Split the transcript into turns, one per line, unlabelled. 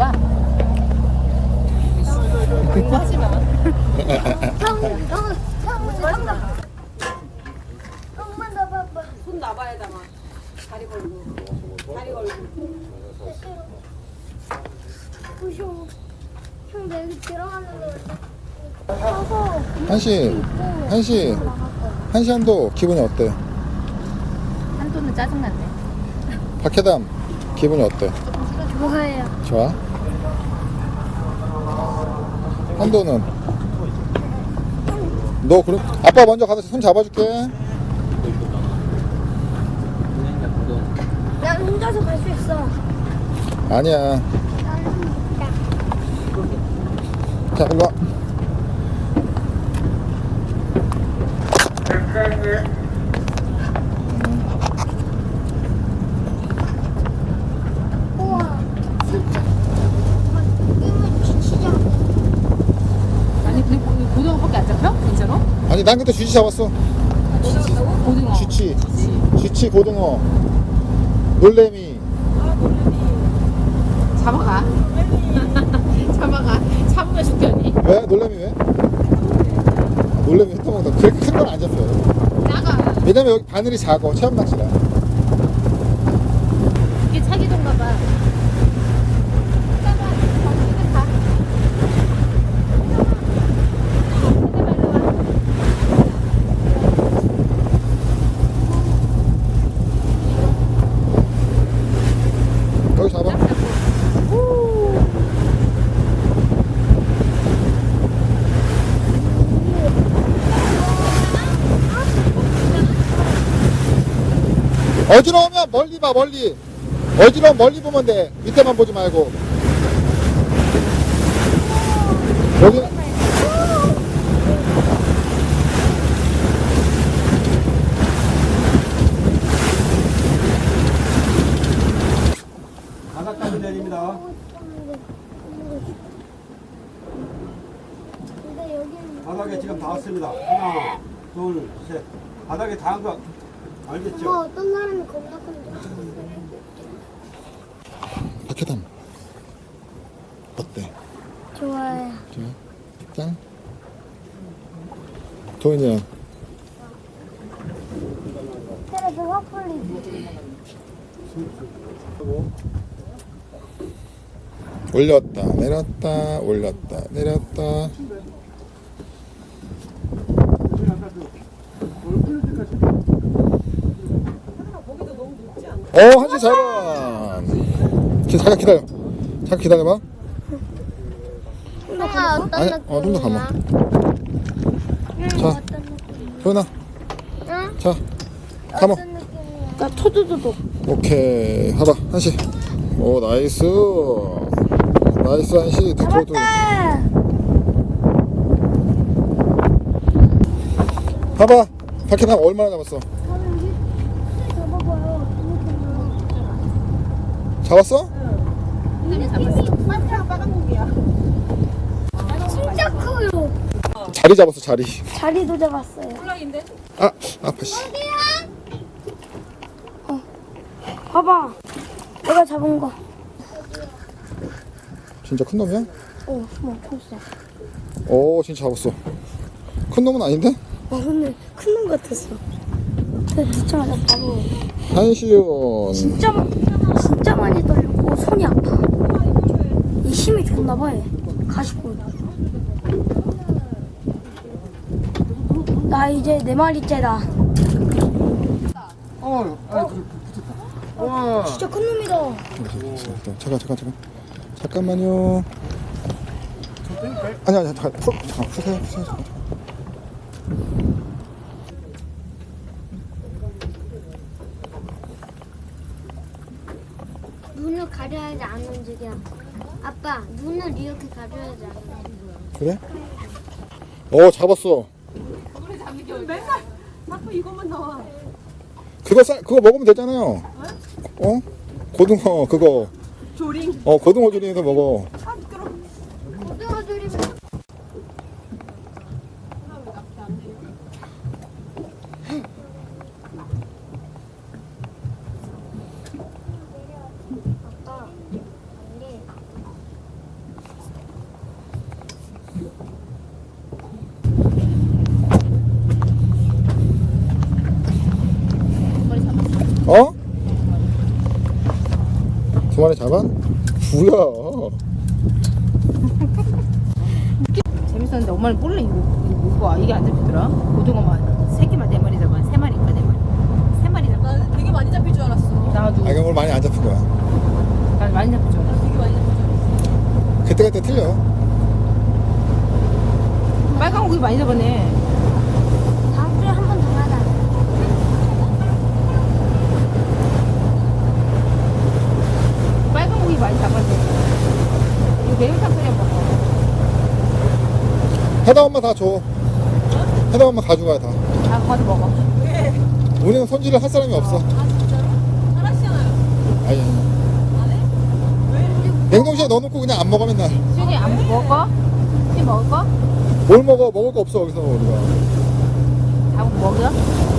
거야? 공부하지 마.
엄마 나 봐봐.
손 놔봐야 담아. 다리 걸고. 다리 걸고.
무서워. 형 내가 들어가는데 서서
한시 한도 기분이 어때?
한도는 짜증났네.
박해담 기분이 어때?
좋아해요.
좋아? 한도는? 너 그럼 아빠 먼저 가서 손 잡아줄게.
난 혼자서 갈 수 있어.
아니야.
나는 못다.
자, 일로 와.
우와. 진짜. 이거 지치자.
아니 근데 고등어밖에 안 잡혀? 진짜로?
아니, 난 그때 쥐치 잡았어.
고등어.
쥐치, 고등어, 놀래미.
잡아가. 잡아가. 잡으면 죽겠니?
왜? 놀래미 왜? 놀래미 흩어먹다. 그렇게 큰 건 안 잡혀요.
나가.
왜냐면 여기 바늘이 작아. 체험 낚시라.
이게 차기던가 봐.
여기 잡아. 어지러우면 멀리 봐, 멀리. 어지러우면 멀리 보면 돼. 밑에만 보지 말고. 여기
바닥까지 내립니다.
근데 여기는
바닥에 지금 다 왔습니다. 하나, 둘, 셋. 바닥에 닿은 거 알겠죠?
엄마 어떤 사람이 겁나 큰데.
박해담 어때?
좋아요.
좋아? 짠? 도인이야.
그래서 확 풀리지.
올렸다 내렸다 올렸다 내렸다. 한시 잡아. 잠깐 기다려. 잠깐 기다려봐.
엄마 어떤
아니,
느낌이야?
좀 더 감아. 자,
어떤 느낌?
도인아.
응?
자, 감아.
어떤 느낌이야? 나 토도도도.
오케이. 봐봐, 한시. 오, 나이스. 나이스, 한시. 뒤쪽도.
잡았다.
봐봐. 박해남 얼마나 잡았어?
잡아봐요.
잡았어?
진짜 커요.
자리 잡았어, 자리.
자리도 잡았어요.
아, 아파, 씨.
봐봐. 내가 잡은 거.
진짜 큰 놈이야?
뭐 컸어.
오, 진짜 잡았어. 큰 놈은 아닌데?
근데 큰 놈 같았어. 근데 듣자마자 바로
한시윤.
진짜 많이 떨렸고 손이 아파. 이 힘이 좋나 봐. 얘. 가시고. 나 이제 4마리째다.
와.
진짜 큰 놈이다.
잠깐. 잠깐만요. 아니, 잠깐. 푸세요. 잠깐.
눈을 가려야지 안 움직여. 아빠, 눈을 이렇게 가려야지 안 움직여.
그래? 잡았어.
맨날 자꾸 이것만 나와.
그거 먹으면 되잖아요. 고등어, 그거.
조링.
고등어 조림해서 먹어.
고등어 조림은 아빠,
잡아? 뭐야?
재밌었는데 엄마는 몰래 이거 뭐가 이게 안 잡히더라. 고등어만 3개만 4마리 잡아. 3마리인가 4마리. 3마리 잡아.
나 되게 많이 잡힐 줄 알았어.
나도
아, 이건 오늘 많이 안 잡힌 거야.
난 많이 잡힐 줄 알았어.
되게 많이 잡힐 줄 알았어.
그때그때 틀려.
빨간 고기 많이 잡았네.
다음 주에 한 번 더 하자.
빨간 고기 많이 잡았네. 이거 매운탕 끓여 먹어.
해당 엄마 다 줘. 해당 엄마 가져가 다.
다 가서 먹어.
우리는 손질을 할 사람이 없어.
아 진짜로? 잘하시잖아요.
아니.
안 해? 왜?
냉동실에 넣어놓고 그냥 안 먹어 맨날.
수진이 안 먹어? 수진이 먹을 거?
뭘 먹어? 먹을 거 없어 여기서 우리가.
다 먹어?